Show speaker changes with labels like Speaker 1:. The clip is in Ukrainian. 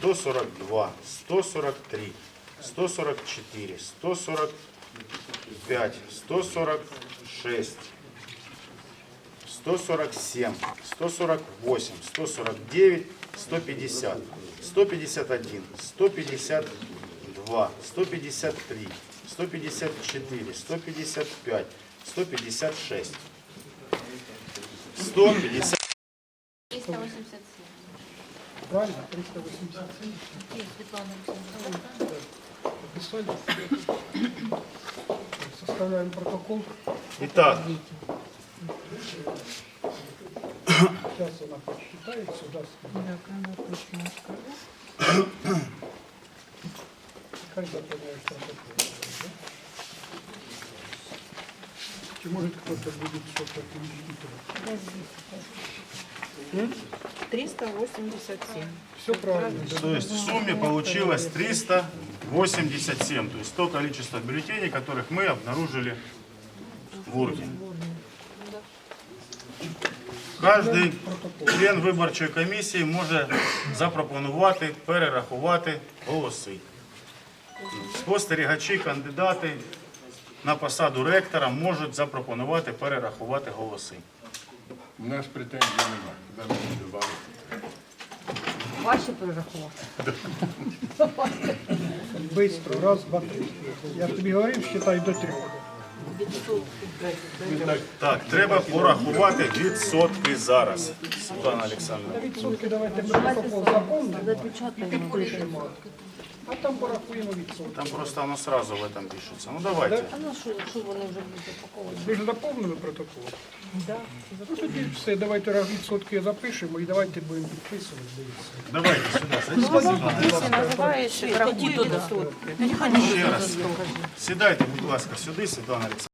Speaker 1: 142, 143, 144, 145, 146, 147, 148, 149, 150, 151, 152, 153, 154, 155, 156, 150.
Speaker 2: 387.
Speaker 3: Правильно? 387.
Speaker 2: Светлана
Speaker 3: Написали? Составляем протокол.
Speaker 1: Итак,
Speaker 3: Сейчас она подсчитает сюда. Хай заполняешь протокол. Да? Чи может кто-то будет что-то пересчитывать?
Speaker 4: 387.
Speaker 3: Все правильно. Да?
Speaker 1: то есть в сумме получилось 387, то есть то количество бюллетеней, которых мы обнаружили в урне. Кожний член виборчої комісії може запропонувати перерахувати голоси. Спостерігачі, кандидати на посаду ректора можуть запропонувати перерахувати голоси.
Speaker 5: У нас претензій немає. Куди ми добавити?
Speaker 4: Ваші перерахувати.
Speaker 3: Быстро. Раз, два, три. Я тобі говорив, считай до 3.
Speaker 1: Так, треба порахувати відсотки зараз. Світлана Олександровна.
Speaker 3: Відсотки давайте протокол заповнимо і підпишемо. А там порахуємо відсотки.
Speaker 1: Там просто воно сразу в этом пишеться. Ну давайте.
Speaker 4: А ну що вони вже будуть упаковані?
Speaker 3: Ви ж заповнили протокол? Ну тоді все, давайте відсотки запишемо і давайте будемо підписувати. Дивіться.
Speaker 1: Давайте сюди. Сідайте.
Speaker 4: Називаєш, рахуй туди.
Speaker 1: Ще раз. Сідайте, будь ласка, сюди, Світлана Олександровна.